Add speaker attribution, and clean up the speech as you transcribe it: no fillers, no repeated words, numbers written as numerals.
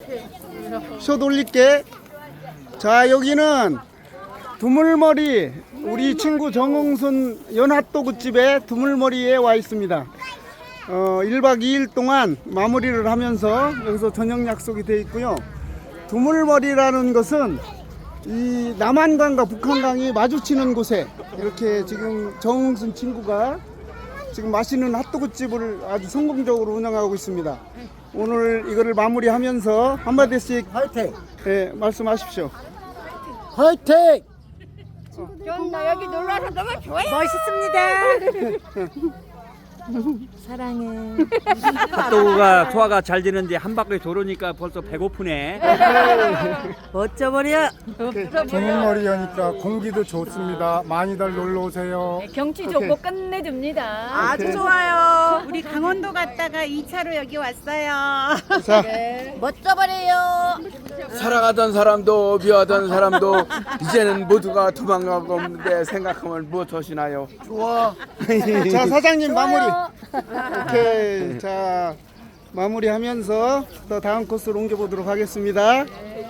Speaker 1: 숏 올릴게. 자, 여기는 두물머리, 우리 친구 정홍순 연핫도그집에 두물머리에 와 있습니다. 1박 2일 동안 마무리를 하면서 여기서 저녁 약속이 되어 있고요. 두물머리라는 것은 이 남한강과 북한강이 마주치는 곳에 이렇게 지금 정홍순 친구가 지금 맛있는 핫도그집을 아주 성공적으로 운영하고 있습니다. 오늘 이거를 마무리하면서 한마디씩
Speaker 2: 화이팅!
Speaker 1: 네, 말씀하십시오.
Speaker 2: 화이팅!
Speaker 3: 나 여기 놀러와서 너무 좋아요.
Speaker 2: 멋있습니다.
Speaker 3: 사랑해.
Speaker 4: 핫도그가 소화가 잘 되는데 한 바퀴 돌으니까 벌써 배고프네.
Speaker 3: 어쩌버려.
Speaker 5: 두물머리 여니까 공기도 좋습니다. 많이들 놀러 오세요.
Speaker 3: 경치 좋고 끝내줍니다.
Speaker 2: 아주 좋아요. 우리 강원도 갔다가 2차로 여기 왔어요.
Speaker 1: 자,
Speaker 3: 멋져버려요.
Speaker 6: 살아가던 사람도 미워하던 사람도 이제는 모두가 도망가고 없는데 생각하면 무엇하시나요?
Speaker 1: 자 사장님 마무리. 오케이. 자 마무리하면서 또 다음 코스로 옮겨보도록 하겠습니다.